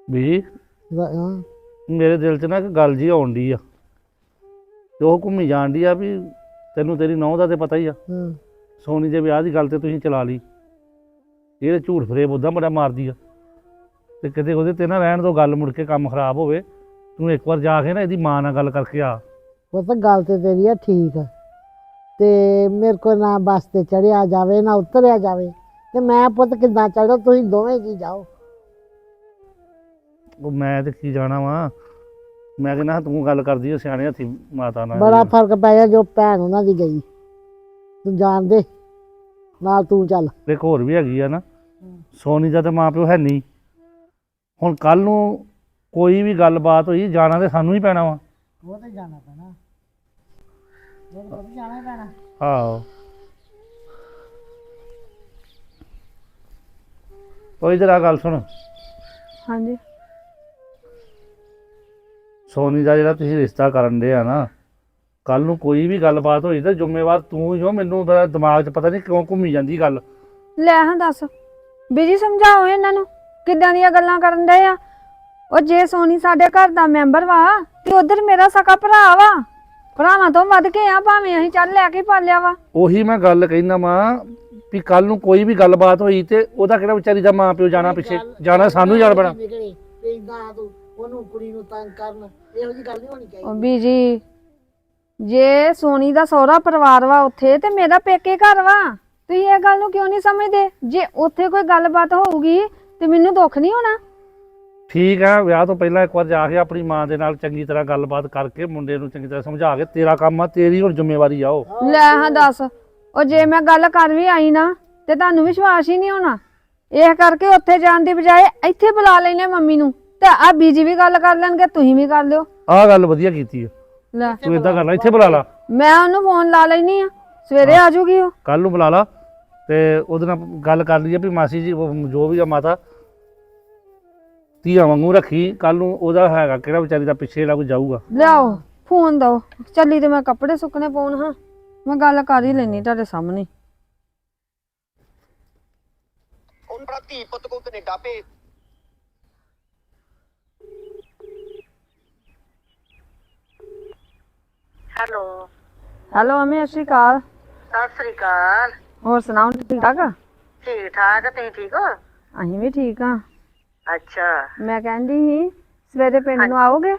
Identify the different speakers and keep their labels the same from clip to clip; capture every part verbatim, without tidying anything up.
Speaker 1: ਵੀ
Speaker 2: ਹਾਂ
Speaker 1: ਮੇਰੇ ਦਿਲ 'ਚ ਨਾ ਇੱਕ ਗੱਲ ਜੀ ਆਉਣ ਡਈ ਆ ਤੇ ਉਹ ਘੁੰਮੀ ਜਾਣ ਡਈ ਆ ਵੀ ਤੈਨੂੰ ਤੇਰੀ ਨਹੁੰ ਦਾ ਤੇ ਪਤਾ ਹੀ ਆ।
Speaker 2: ਹਾਂ
Speaker 1: ਸੋਨੀ ਦੇ ਵਿਆਹ ਦੀ ਗੱਲ ਤੇ ਤੁਸੀਂ ਚਲਾ ਲਈ, ਇਹ ਤੇ ਝੂਠ ਫਰੇਬ ਉੱਦਾਂ ਬੜਾ ਮਾਰਦੀ ਆ ਤੇ ਕਿਤੇ ਉਹਦੇ ਤੇ ਨਾ ਰਹਿਣ ਦੋ ਗੱਲ, ਮੁੜ ਕੇ ਕੰਮ ਖਰਾਬ ਹੋਵੇ। ਤੂੰ ਇੱਕ ਵਾਰ ਜਾ ਕੇ ਨਾ ਇਹਦੀ ਮਾਂ ਨਾਲ ਗੱਲ ਕਰਕੇ ਆ।
Speaker 2: ਉਹ ਤਾਂ ਗੱਲ ਤੇ ਤੇਰੀ ਆ ਠੀਕ ਆ ਤੇ ਮੇਰੇ ਕੋਲ ਨਾ ਬੱਸ ਤੇ ਚੜਿਆ ਜਾਵੇ ਨਾ ਉਤਰਿਆ ਜਾਵੇ ਤੇ ਮੈਂ ਪੁੱਤ ਕਿੱਦਾਂ ਚੜੋ, ਤੁਸੀਂ ਦੋਵੇਂ ਜੀ ਜਾਓ।
Speaker 1: ਉਹ ਮੈਂ ਤੇ ਕੀ ਜਾਣਾ ਵਾ, ਮੈਂ ਕਹਿੰਦਾ ਤੂੰ ਗੱਲ ਕਰਦੀ ਆ ਸਿਆਣੇ ਹੱਥੀ ਮਾਤਾ ਨਾਲ।
Speaker 2: ਬੜਾ ਫਰਕ ਪੈ ਗਿਆ ਜੋ ਭੈਣ ਉਹਨਾਂ ਦੀ ਗਈ, ਤੂੰ ਜਾਣ ਦੇ ਨਾਲ ਤੂੰ ਚੱਲ।
Speaker 1: ਇੱਕ ਹੋਰ ਵੀ ਹੈਗੀ ਆ ਨਾ, ਸੋਨੀ ਦਾ ਤਾਂ ਮਾਂ ਪਿਓ ਹੈ ਨਹੀਂ। ਹੁਣ ਕੱਲ ਨੂੰ ਕੋਈ ਵੀ ਗੱਲਬਾਤ ਹੋਈ ਜਾਣਾ ਤੇ ਸਾਨੂੰ ਹੀ ਪੈਣਾ ਵਾ।
Speaker 2: ਉਹ ਤੇ ਜਾਣਾ ਪੈਣਾ, ਉਹ ਤੇ ਜਾਣਾ ਹੀ ਪੈਣਾ।
Speaker 1: ਆਹੋ ਉਹ ਇਧਰ ਆ ਗੱਲ ਸੁਣ।
Speaker 3: ਹਾਂਜੀ
Speaker 1: ਸੋਨੀ ਦਾ ਜਿਹੜਾ ਤੁਸੀਂ ਰਿਸ਼ਤਾ ਕਰਨ ਦੇ ਆ ਨਾ, ਕੱਲ ਨੂੰ ਕੋਈ ਵੀ ਗੱਲਬਾਤ ਹੋਈ ਤਾਂ ਜ਼ਿੰਮੇਵਾਰ ਤੂੰ ਹੀ ਹੋ। ਮੈਨੂੰ ਬੜਾ ਦਿਮਾਗ 'ਚ ਪਤਾ ਨਹੀਂ ਕਿਉਂ ਘੁੰਮੀ ਜਾਂਦੀ ਗੱਲ।
Speaker 3: ਲੈ ਹਾਂ ਦੱਸ ਬੀਜੀ, ਸਮਝਾਓ ਇਹਨਾਂ ਨੂੰ ਕਿੱਦਾਂ ਦੀਆਂ ਗੱਲਾਂ ਕਰਨ ਦੇ ਆ। ਉਹ ਜੇ ਸੋਨੀ ਸਾਡੇ ਘਰ ਦਾ ਮੈਂਬਰ ਵਾ ਤੇ ਉਧਰ ਮੇਰਾ ਸਕਾ ਭਰਾ ਵਾ, ਭਰਾਵਾਂ ਤੋਂ ਵੱਧ ਕੇ ਆ, ਭਾਵੇਂ ਅਸੀਂ ਚੱਲ ਲੈ ਕੇ ਪਾਲਿਆ ਵਾ।
Speaker 1: ਉਹੀ ਮੈਂ ਗੱਲ ਕਹਿਣਾ ਵਾਂ ਵੀ ਕੱਲ ਨੂੰ ਕੋਈ ਵੀ ਗੱਲਬਾਤ ਹੋਈ ਤੇ ਉਹਦਾ ਕਿਹੜਾ ਵਿਚਾਰੀ ਦਾ ਮਾਂ ਪਿਓ ਜਾਣਾ ਪਿੱਛੇ, ਜਾਣਾ ਸਾਨੂੰ ਜਾਣ ਪੈਣਾ।
Speaker 2: ਉਹਨੂੰ ਕੁੜੀ ਨੂੰ ਤੰਗ ਕਰਨ, ਇਹੋ ਜਿਹੀ ਗੱਲ ਨਹੀਂ ਹੋਣੀ ਚਾਹੀਦੀ।
Speaker 3: ਉਹ ਬੀਜੀ, ਜੇ ਸੋਨੀ ਦਾ ਸਹੁਰਾ ਪਰਿਵਾਰ ਵਾ ਉੱਥੇ ਤੇ ਮੇਰਾ ਪੇਕੇ ਘਰ ਵਾ, ਤੁਸੀਂ ਇਹ ਗੱਲ ਨੂੰ ਕਿਉਂ ਨਹੀਂ ਸਮਝਦੇ? ਜੇ ਉੱਥੇ ਕੋਈ ਗੱਲਬਾਤ ਹੋਊਗੀ ਤੇ ਮੈਨੂੰ ਦੁੱਖ ਨਹੀਂ ਹੋਣਾ?
Speaker 1: ਠੀਕ ਆ, ਵਿਆਹ ਤੋਂ ਪਹਿਲਾਂ ਇੱਕ ਵਾਰ ਜਾ ਕੇ ਆਪਣੀ ਮਾਂ ਦੇ ਨਾਲ ਚੰਗੀ ਤਰ੍ਹਾਂ ਗੱਲਬਾਤ ਕਰਕੇ ਮੁੰਡੇ ਨੂੰ ਚੰਗੀ ਤਰ੍ਹਾਂ ਸਮਝਾ ਕੇ, ਤੇਰਾ ਕੰਮ ਆ, ਤੇਰੀ ਹੁਣ ਜ਼ਿੰਮੇਵਾਰੀ ਆ ਉਹ।
Speaker 3: ਲੈ ਹਾਂ ਦੱਸ, ਉਹ ਜੇ ਮੈਂ ਗੱਲ ਕਰ ਵੀ ਆਈ ਨਾ ਤੇ ਤੁਹਾਨੂੰ ਵਿਸ਼ਵਾਸ ਹੀ ਨਹੀਂ ਹੋਣਾ। ਇਹ ਕਰਕੇ ਉੱਥੇ ਜਾਣ ਦੀ ਬਜਾਏ ਇੱਥੇ ਬੁਲਾ ਲੈਨੇ ਮੰਮੀ ਨੂੰ, ਤੇ ਆ ਬੀਜੀ ਵੀ ਗੱਲ ਕਰ ਲੈਣਗੇ, ਤੁਸੀਂ ਵੀ ਕਰ ਲਿਓ।
Speaker 1: ਆਹ ਗੱਲ ਵਧੀਆ ਕੀਤੀ ਆ,
Speaker 3: ਲੈ
Speaker 1: ਤੂੰ ਏਦਾਂ ਕਰ ਲੈ, ਇੱਥੇ ਬੁਲਾ ਲਾ।
Speaker 3: ਮੈਂ ਉਹਨੂੰ ਫੋਨ ਲਾ ਲੈਣੀ ਆ, ਸਵੇਰੇ ਆ ਜਾਊਗੀ ਉਹ।
Speaker 1: ਕੱਲ ਨੂੰ ਬੁਲਾ ਲਾ ਤੇ ਉਹਦੇ ਨਾਲ ਗੱਲ ਕਰ ਲਈਏ ਵੀ ਮਾਸੀ ਜੀ ਉਹ ਜੋ ਵੀ ਆ ਮਾਤਾ ਧੀਆਂ ਵਾਂਗੂ ਰੱਖੀ। ਕੱਲ ਨੂੰ ਉਹਦਾ ਹੈਗਾ ਕਿਹੜਾ ਵਿਚਾਰੀ ਦਾ ਪਿੱਛੇ ਜਿਹੜਾ ਕੋਈ ਜਾਊਗਾ।
Speaker 3: ਲਿਆਓ ਫੋਨ ਦੋ, ਚੱਲੀ ਤੇ ਮੈਂ ਕੱਪੜੇ ਸੁੱਕਣੇ ਪਾਉਣ। ਹਾਂ ਮੈਂ ਗੱਲ ਕਰ ਹੀ ਲੈਣੀ ਤੁਹਾਡੇ ਸਾਹਮਣੇ।
Speaker 4: ਹੁਣ ਬੜਾ ਧੀ ਪੁੱਤ ਕੋ ਕੈਨੇਡਾ ਭੇਜ।
Speaker 5: ਹੈਲੋ
Speaker 3: ਹੈਲੋ ਅਮੀ, ਸਤਿ ਸ਼੍ਰੀ ਅਕਾਲ।
Speaker 5: ਸਤਿ ਸ੍ਰੀ ਅਕਾਲ।
Speaker 3: ਹੋਰ ਸੁਣਾਓ, ਠੀਕ ਠਾਕ?
Speaker 5: ਠੀਕ ਠਾਕ, ਤੁਸੀਂ ਠੀਕ ਹੋ?
Speaker 3: ਅਸੀਂ ਵੀ ਠੀਕ ਆ।
Speaker 5: ਅੱਛਾ,
Speaker 3: ਮੈਂ ਕਹਿੰਦੀ ਸੀ ਸਵੇਰੇ ਪਿੰਡ ਨੂੰ ਆਓਗੇ?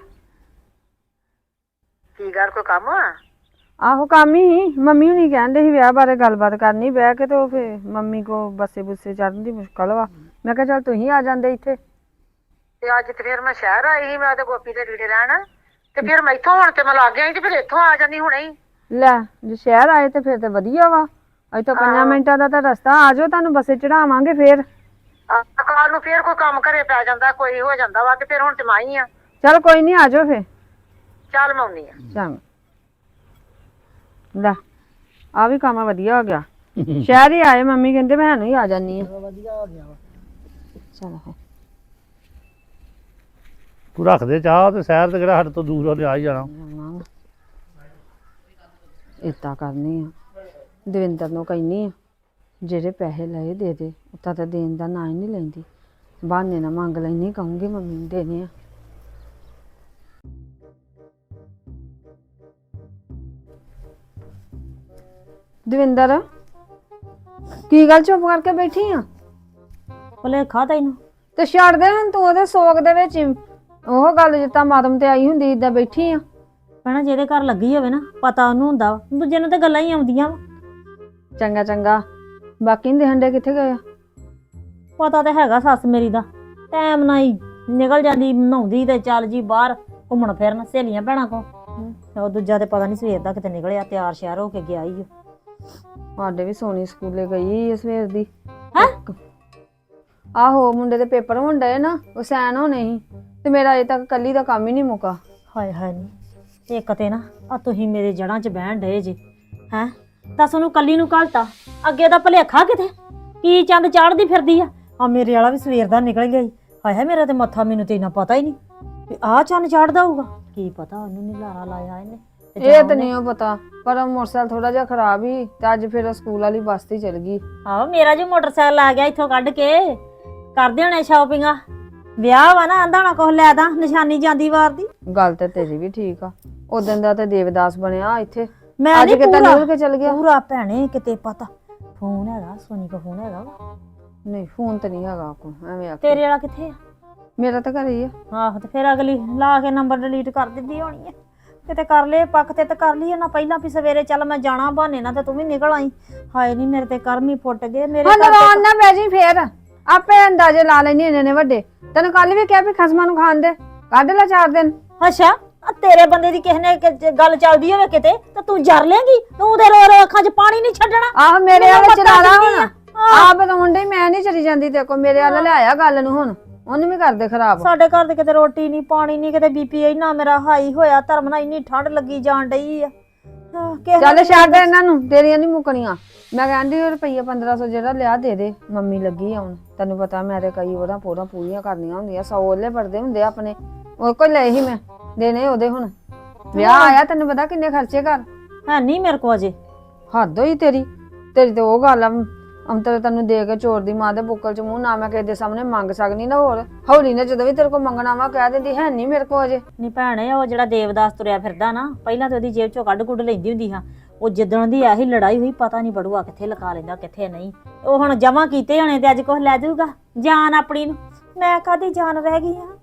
Speaker 5: ਕੀ ਗੱਲ, ਕੋਈ ਕੰਮ ਆ?
Speaker 3: ਆਹੋ ਕੰਮ ਹੀ ਸੀ, ਮੰਮੀ ਹੁਣੀ ਕਹਿੰਦੇ ਸੀ ਵਿਆਹ ਬਾਰੇ ਗੱਲਬਾਤ ਕਰਨੀ ਬਹਿ ਕੇ, ਤੇ ਉਹ ਫਿਰ ਮੰਮੀ ਕੋ ਬੱਸੇ ਬੁੱਸੇ ਚੜਨ ਦੀ ਮੁਸ਼ਕਲ ਵਾ। ਮੈਂ ਕਿਹਾ ਚੱਲ ਤੁਸੀਂ ਆ ਜਾਂਦੇ ਇੱਥੇ।
Speaker 5: ਤੇ ਅੱਜ ਤੇ ਫਿਰ ਮੈਂ ਸ਼ਹਿਰ ਆਈ ਸੀ, ਮੈਂ ਤੇ ਗੋਪੀ ਦੇ ਲੀੜੇ ਲੈਣ, ਤੇ ਫਿਰ ਮੈਂ ਇੱਥੋਂ ਹੁਣ ਤੇ ਮੈਂ ਲੱਗ ਗਿਆ ਸੀ ਤੇ ਫਿਰ ਇੱਥੋਂ ਆ ਜਾਂਦੀ ਹੁਣੇ ਹੀ।
Speaker 3: ਲੈ ਜੇ ਸ਼ਹਿਰ ਆਏ ਤੇ ਫਿਰ ਤੇ ਵਧੀਆ ਵਾ, ਇੱਥੋਂ ਪੰਜਾਂ ਮਿੰਟਾਂ ਦਾ ਤਾਂ ਰਸਤਾ। ਆ ਜਾਓ, ਤੁਹਾਨੂੰ ਬੱਸੇ ਚੜਾਵਾਂਗੇ। ਫਿਰ
Speaker 5: ਕੱਲ ਨੂੰ ਫਿਰ ਕੋਈ ਕੰਮ ਘਰੇ ਪੈ ਜਾਂਦਾ, ਕੋਈ ਹੋ ਜਾਂਦਾ ਵਾ, ਤੇ ਫਿਰ ਹੁਣ ਤੇ ਮੈਂ ਹੀ ਆ।
Speaker 3: ਚੱਲ ਕੋਈ ਨਹੀਂ, ਆ ਜਾਓ ਫਿਰ।
Speaker 5: ਚੱਲ ਮੈਂ ਆਉਣੀ ਆ।
Speaker 3: ਚੰਗਾ। ਲੈ ਆ ਵੀ ਕੰਮ ਵਧੀਆ ਹੋ ਗਿਆ, ਸ਼ਹਿਰ ਹੀ ਆਏ, ਮੰਮੀ ਕਹਿੰਦੇ ਮੈਂ ਨੂੰ ਹੀ ਆ ਜਾਨੀ ਆ।
Speaker 2: ਵਧੀਆ ਹੋ ਗਿਆ ਵਾ।
Speaker 3: ਚਲੋ
Speaker 1: ਤੂੰ ਰੱਖ ਦੇ ਚਾਹ ਤੇ ਸ਼ਹਿਰ ਤੇ ਕਿਹੜਾ ਸਾਡੇ ਤੋਂ ਦੂਰ ਹੋ ਆ ਹੀ ਜਾਣਾ।
Speaker 3: ਏਦਾਂ ਕਰਨੀ ਆ, ਦਵਿੰਦਰ ਨੂੰ ਕਹਿੰਨੀ ਆ ਜਿਹੜੇ ਪੈਸੇ ਲਏ ਦੇ ਦੇ, ਉੱਤਾ ਤਾਂ ਦੇਣ ਦਾ ਨਾਂ ਹੀ ਨਹੀਂ ਲੈਂਦੀ, ਬਹਾਨੇ ਨਾ ਮੰਗ ਲੈਣੀ, ਕਹੂੰਗੀ ਮੰਮੀ ਨੂੰ ਦੇਣੇ ਆ। ਦਵਿੰਦਰ ਕੀ ਗੱਲ ਚੁੱਪ ਕਰਕੇ ਬੈਠੀ ਆ?
Speaker 6: ਭੁਲੇਖਾ ਤੈਨੂੰ?
Speaker 3: ਤੇ ਛੱਡ ਦੇ ਹੁਣ, ਤੂੰ ਉਹਦੇ ਸੋਗ ਦੇ ਵਿੱਚ ਉਹ ਗੱਲ ਜਿੱਦਾਂ ਮਾਤਮ ਤੇ ਆਈ ਹੁੰਦੀ ਏਦਾਂ ਬੈਠੀ ਆ।
Speaker 6: ਭੈਣਾ ਜਿਹਦੇ ਘਰ ਲੱਗੀ ਹੋਵੇ ਨਾ, ਪਤਾ ਉਹਨੂੰ ਹੁੰਦਾ ਵਾ, ਦੂਜੇ ਨੂੰ ਤਾਂ ਗੱਲਾਂ ਹੀ ਆਉਂਦੀਆਂ ਵਾ।
Speaker 3: ਚੰਗਾ ਚੰਗਾ, ਬਾਕੀ ਦੇ ਹੰਡੇ ਕਿੱਥੇ ਗਏ ਆ?
Speaker 6: ਪਤਾ ਤਾਂ ਹੈਗਾ ਸੱਸ ਮੇਰੀ ਦਾ, ਟਾਈਮ ਨਾਲ ਹੀ ਨਿਕਲ ਜਾਂਦੀ, ਨਹਾਉਂਦੀ ਤੇ ਚੱਲ ਜੀ ਬਾਹਰ ਘੁੰਮਣ ਫਿਰਨ ਸਹੇਲੀਆਂ ਭੈਣਾਂ ਕੋ। ਉਹ ਦੂਜਾ ਤੇ ਪਤਾ ਨਹੀਂ ਸਵੇਰ ਦਾ ਕਿਤੇ ਨਿਕਲਿਆ, ਤਿਆਰ ਸ਼ਿਆਰ ਹੋ ਕੇ ਗਿਆ ਹੀ।
Speaker 3: ਸਾਡੇ ਵੀ ਸੋਨੀ ਸਕੂਲੇ ਗਈ ਆ ਸਵੇਰ ਦੀ।
Speaker 6: ਹੈਂ?
Speaker 3: ਆਹੋ ਮੁੰਡੇ ਦੇ ਪੇਪਰ ਹੋਣ ਡਏ ਨਾ, ਉਹ ਸੈਨ ਹੋਣੇ ਸੀ, ਤੇ ਮੇਰਾ ਅਜੇ ਤੱਕ ਕੱਲੀ ਦਾ ਕੰਮ ਹੀ ਨਹੀਂ ਮੁੱਕਾ।
Speaker 6: ਹਾਏ ਹਾਏ ਨੀ, ਇੱਕ ਤੇ ਨਾ ਆ ਤੁਸੀਂ ਮੇਰੇ ਜੜ੍ਹਾਂ 'ਚ ਬਹਿਣ ਡਏ ਜੇ ਹੈਂ। ਦੱਸ ਉਹਨੂੰ ਕੱਲੀ ਨੂੰ ਘਲਤਾ, ਅੱਗੇ ਦਾ ਭੁਲੇਖਾ ਕਿਤੇ ਕੀ ਚੰਦ ਚਾੜਦੀ ਫਿਰਦੀ ਆ। ਆ ਮੇਰੇ ਵਾਲਾ ਵੀ ਸਵੇਰ ਦਾ ਨਿਕਲ ਗਿਆ। ਹਾਏ ਹਾਏ ਮੇਰਾ ਤੇ ਮੱਥਾ, ਮੈਨੂੰ ਤੇ ਇੰਨਾ ਪਤਾ ਹੀ ਨਹੀਂ ਵੀ ਆਹ ਚੰਨ ਚਾੜਦਾ ਹੋਊਗਾ। ਕੀ ਪਤਾ ਉਹਨੂੰ ਨੀ ਲਾਰਾ ਲਾਇਆ ਇਹਨੇ।
Speaker 3: ਇਹ ਤਾਂ ਨਹੀਂ ਉਹ ਪਤਾ, ਪਰ ਉਹ ਮੋਟਰਸਾਈਕਲ ਥੋੜਾ ਜਿਹਾ ਖਰਾਬ ਹੀ, ਤੇ ਅੱਜ ਫਿਰ ਸਕੂਲ ਵਾਲੀ ਬੱਸ ਤੇ ਚਲ ਗਈ।
Speaker 6: ਆਹੋ ਮੇਰਾ ਜੀ ਮੋਟਰਸਾਈਕਲ ਆ ਗਿਆ ਇੱਥੋਂ ਕੱਢ ਕੇ, ਕਰਦੇ ਹੋਣੇ ਸ਼ਾਪਿੰਗਾਂ। ਵਿਆਹ ਵਾ ਨਾ ਆਂਦਾ ਨਾ ਕੁਛ ਲੈ ਦਾਂ ਨਿਸ਼ਾਨੀ ਜਾਂਦੀ ਵਾਰ ਦੀ।
Speaker 3: ਗੱਲ ਤੇ ਤੇਰੀ ਵੀ ਠੀਕ ਆ ਉਦੋਂ ਦਾ ਤੇ ਦੇਵਦਾਸ ਬਣਿਆ ਇੱਥੇ
Speaker 6: ਮੈਂ
Speaker 3: ਅੱਜ
Speaker 6: ਨਹੀਂ
Speaker 3: ਕਿਤਾ
Speaker 6: ਪੂਰਾ
Speaker 3: ਨਿਕਲ ਕੇ ਚਲ ਗਿਆ।
Speaker 6: ਪੂਰਾ ਭੈਣੇ ਕਿਤੇ ਪਤਾ ਫੋਨ ਹੈਗਾ ਸੋਨੀ ਕੋ ਫੋਨ ਹੈਗਾ ਵਾ।
Speaker 3: ਨਹੀਂ ਫੋਨ ਤੇ ਨਹੀਂ ਹੈਗਾ ਕੋ ਐਵੇਂ ਆ
Speaker 6: ਤੇਰੇ ਵਾਲਾ ਕਿੱਥੇ ਆ?
Speaker 3: ਮੇਰਾ ਤਾਂ ਘਰੇ ਹੀ ਆ।
Speaker 6: ਆਹੋ ਤੇ ਫਿਰ ਅਗਲੀ ਲਾ ਕੇ ਨੰਬਰ ਡਿਲੀਟ ਕਰ ਦਿੰਦੀ ਹੋਣੀ ਹੈ। ਕਿਤੇ ਕਰ ਲਏ ਪੱਕ ਤੇ ਤੇ ਕਰ ਲਈ ਨਾ ਪਹਿਲਾਂ ਵੀ ਸਵੇਰੇ ਚੱਲ ਮੈਂ ਜਾਣਾ ਬਹਾਨੇ ਨਾਲ ਤੇ ਤੂੰ ਵੀ ਨਿਕਲ ਆਈ। ਹਾਏ ਨਹੀਂ ਮੇਰੇ ਤੇ ਕਰਮ ਹੀ ਫੁੱਟ ਗਏ ਮੇਰੇ
Speaker 3: ਹਾਂ
Speaker 6: ਘਰ
Speaker 3: ਨਰਾਨ ਨਾ ਬਹਿ ਜੀ ਫੇਰ ਆਪੇ ਅੰਦਾਜ਼ੇ ਲਾ ਲੈਣੀ ਇਹਨੇ ਨੇ ਵੱਡੇ ਤੈਨੂੰ ਕੱਲ ਵੀ ਕਿਹਾ ਵੀ ਖਸਮਾਂ ਨੂੰ ਖਾਣ ਦੇ ਕੱਢ ਲੈ ਚਾਰ ਦਿਨ।
Speaker 6: ਤੇ ਅੱਛਾ ਆ ਤੇਰੇ ਬੰਦੇ ਦੀ ਕਿਸੇ ਨੇ ਕਿ- ਗੱਲ ਚੱਲਦੀ ਹੋਵੇ ਕਿਤੇ ਤੇ ਤੂੰ ਜਰ ਲੇਂਗੀ ਤੂੰ ਤੇ ਰੋ ਰੋ ਅੱਖਾਂ 'ਚ ਪਾਣੀ ਨਹੀਂ ਛੱਡਣਾ।
Speaker 3: ਆਹ ਮੇਰੇ
Speaker 6: ਮੈਨੂੰ
Speaker 3: ਵਾਲੇ
Speaker 6: ਪਤਾ
Speaker 3: ਚਲਾ ਲਾ
Speaker 6: ਕਿੰਨੀ
Speaker 3: ਹੁਣ
Speaker 6: ਆ।
Speaker 3: ਆਪ ਬਤਾਉਣ ਡਈ ਮੈਂ ਨਹੀਂ ਚਲੀ ਜਾਂਦੀ ਤੇ ਕੋ ਮੇਰੇ ਵਾਲੇ ਲਿਆਇਆ ਗੱਲ ਨੂੰ ਹੁਣ ਉਹਨੂੰ ਵੀ ਕਰਦੇ ਖਰਾਬ।
Speaker 6: ਸਾਡੇ ਘਰ ਦੇ ਕਿਤੇ ਰੋਟੀ ਨਹੀਂ ਪਾਣੀ ਨਹੀਂ ਕਿਤੇ ਬੀਪੀ ਇੰਨਾ ਮੇਰਾ ਹਾਈ ਹੋਇਆ ਧਰਮ ਨਾਲ ਇੰਨੀ ਠੰਡ ਲੱਗੀ ਜਾਣ ਡਈ ਆ। ਹਾਂ, ਕਿਸੇ
Speaker 3: ਚੱਲ
Speaker 6: ਨੇ
Speaker 3: ਛੱਡ ਇਹਨਾਂ ਨੂੰ ਤੇਰੀਆਂ ਨਹੀਂ ਮੁੱਕਣੀਆਂ। ਮੈਂ ਕਹਿੰਦੀ ਰੁਪਈਆ ਪੰਦਰਾਂ ਸੌ ਜਿਹੜਾ ਲਿਆ ਦੇ ਦੇ ਮੰਮੀ ਲੱਗੀ ਆਉਣ ਤੈਨੂੰ ਪਤਾ ਮੈਂ ਤੇ ਕਈ ਉਹਦਾ ਪੂਰਾ ਪੂਰੀਆਂ ਕਰਨੀਆਂ ਹੁੰਦੀਆਂ ਸੌ ਉਹਲੇ ਪੜਦੇ ਹੁੰਦੇ ਆਪਣੇ ਉਹ ਕੋਈ ਲਏ ਹੀ ਮੈਂ ਦੇਣੇ ਉਹਦੇ ਹੁਣ ਵਿਆਹ ਆਇਆ ਤੈਨੂੰ ਪਤਾ ਕਿੰਨੇ ਖਰਚੇ ਕਰ
Speaker 6: ਹੈ ਨਹੀਂ ਮੇਰੇ ਕੋ ਅਜੇ।
Speaker 3: ਹੱਦ ਹੋਈ ਤੇਰੀ ਤੇਰੀ ਤੇ ਉਹ ਗੱਲ ਆ ਅੰਤਰ ਤੈਨੂੰ ਦੇ ਕੇ ਚੋਰ ਦੀ ਮਾਂ ਦੇ ਬੁੱਕਲ ਚ ਮੂੰਹ ਨਾ ਮੈਂ ਕਿਸੇ ਦੇ ਸਾਹਮਣੇ ਮੰਗ ਸਕਨੀ ਨਾ ਹੋਰ ਹੌਲੀ ਨੇ ਜਦੋਂ ਵੀ ਤੇਰੇ ਕੋਲ ਮੰਗਣਾ ਵਾ ਕਹਿ ਦਿੰਦੀ ਹੈ ਨਹੀਂ ਮੇਰੇ ਕੋਲ ਅਜੇ।
Speaker 6: ਨਹੀਂ ਭੈਣੇ ਉਹ ਜਿਹੜਾ ਦੇਵਦਾਸ ਤੁਰਿਆ ਫਿਰਦਾ ਨਾ ਪਹਿਲਾਂ ਤੇ ਉਹਦੀ ਜੇਬ ਚੋਂ ਕੱਢ ਕੁੱਢ ਲੈਂਦੀ ਹੁੰਦੀ ਹਾਂ ਉਹ ਜਿੱਦਣ ਦੀ ਆਹੀ ਲੜਾਈ ਹੋਈ ਪਤਾ ਨਹੀਂ ਬੜੂਆ ਕਿੱਥੇ ਲਗਾ ਲੈਂਦਾ ਕਿੱਥੇ ਨਹੀਂ। ਉਹ ਹੁਣ ਜਮਾ ਕੀਤੇ ਹੋਣੇ ਤੇ ਅੱਜ ਕੁਛ ਲੈ ਜਾਊਗਾ ਜਾਨ ਆਪਣੀ ਨੂੰ। ਮੈਂ ਕਾਹਦੀ ਜਾਨ ਰਹਿ ਗਈ ਆ।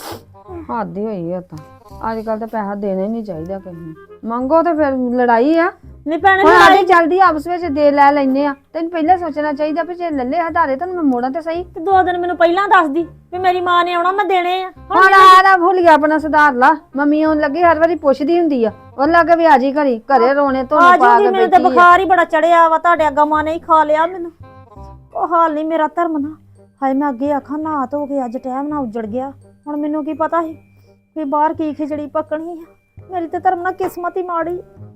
Speaker 3: ਹੱਦ ਹੀ ਹੋਈ ਆ ਤਾਂ ਅੱਜ ਕੱਲ ਤਾਂ ਪੈਸਾ ਦੇਣਾ ਹੀ ਨਹੀਂ ਚਾਹੀਦਾ ਕਿਸੇ ਨੂੰ ਮੰਗੋ ਤੇ ਫਿਰ ਲੜਾਈ ਆ।
Speaker 6: ਨਹੀਂ ਭੈਣੇ
Speaker 3: ਹੁਣ
Speaker 6: ਲੜਾਈ
Speaker 3: ਆਦੀ ਜਲਦੀ ਆਪਸ ਵਿੱਚ ਦੇ ਲੈ ਲੈਨੇ ਆ ਤੈਨੂੰ ਪਹਿਲਾਂ ਸੋਚਣਾ ਚਾਹੀਦਾ ਵੀ ਜੇ ਲੱਲੇ ਹਧਾਰੇ ਤਾਂ ਮੈਂ ਮੋੜਾਂ ਤੇ ਸਹੀ।
Speaker 6: ਤੇ ਦੋ ਦਿਨ ਮੈਨੂੰ ਪਹਿਲਾਂ ਦੱਸਦੀ ਵੀ ਮੇਰੀ ਮਾਂ ਨੇ ਆਉਣਾ ਮੈਂ ਦੇਣੇ ਆ।
Speaker 3: ਹੁਣ ਆਰਾ ਭੁੱਲ ਗਿਆ ਆਪਣਾ ਸੁਧਾਰ ਲਾ ਮੰਮੀ ਆਉਣ ਲੱਗੀ ਹਰ ਵਾਰੀ ਪੁੱਛਦੀ ਹੁੰਦੀ ਆ ਉਹ ਲੱਗੇ ਵੀ ਆਜੀ ਘਰੀ ਘਰੇ ਰੋਣੇ ਧੋਣੇ
Speaker 6: ਆ
Speaker 3: ਪਾ
Speaker 6: ਜੂਗੀ
Speaker 3: ਕੇ
Speaker 6: ਮੈਨੂੰ ਤੇ
Speaker 3: ਬੈਠੀ ਆ।
Speaker 6: ਬੁਖਾਰ ਹੀ ਬੜਾ ਚੜਿਆ ਵਾ ਤੁਹਾਡੇ ਅੱਗਾ ਮਾਂ ਨੇ ਹੀ ਖਾ ਲਿਆ ਮੈਨੂੰ। ਉਹ ਹਾਲ ਨਹੀਂ ਮੇਰਾ ਧਰਮ ਨਾ ਹਾਏ ਮੈਂ ਅੱਗੇ ਆਖਾਂ ਨਾ ਧੋ ਕੇ ਅੱਜ ਟਾਈਮ ਨਾਲ ਉੱਜੜ ਗਿਆ ਹੁਣ ਮੈਨੂੰ ਕੀ ਪਤਾ ਸੀ ਵੀ ਬਾਹਰ ਕੀ ਖਿਚੜੀ ਪੱਕਣੀ ਆ। ਮੇਰੀ ਤੇ ਧਰਮ ਨਾਲ ਕਿਸਮਤ ਹੀ ਮਾੜੀ।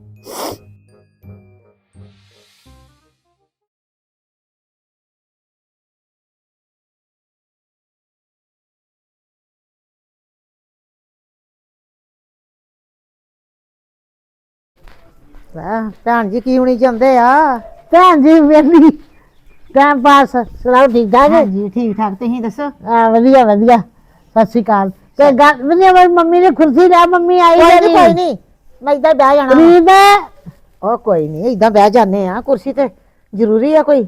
Speaker 2: ਵਾਹ, ਭੈਣ ਜੀ ਕੀ ਹੋਣੀ ਚਾਹੁੰਦੇ ਆ? ਭੈਣ ਜੀ ਵੇਲੀ ਟਾਈਮ ਪਾਸ ਸੁਣਾਓ ਠੀਕ ਠਾਕ?
Speaker 7: ਹਾਂਜੀ ਠੀਕ ਠਾਕ ਤੁਸੀਂ ਦੱਸੋ।
Speaker 2: ਹਾਂ ਵਧੀਆ ਵਧੀਆ ਸਤਿ ਸ਼੍ਰੀ ਅਕਾਲ। ਤੇ ਗੱਲ ਵੀ ਮੇਰੀ ਮੰਮੀ ਨੇ ਕੁਰਸੀ ਲੈ ਮੰਮੀ ਆਈ
Speaker 7: ਕੋਈ
Speaker 2: ਮੇਰੀ।
Speaker 7: ਨਹੀਂ ਕੋਈ ਨਹੀਂ ਮੈਂ ਇਦਾਂ ਬਹਿ ਜਾਣਾ ਵਾ।
Speaker 2: ਪ੍ਰੀਤ
Speaker 7: ਉਹ ਕੋਈ ਨਹੀਂ ਇਦਾਂ ਬਹਿ ਜਾਂਦੇ ਆ ਕੁਰਸੀ ਤੇ ਜ਼ਰੂਰੀ ਆ ਕੋਈ।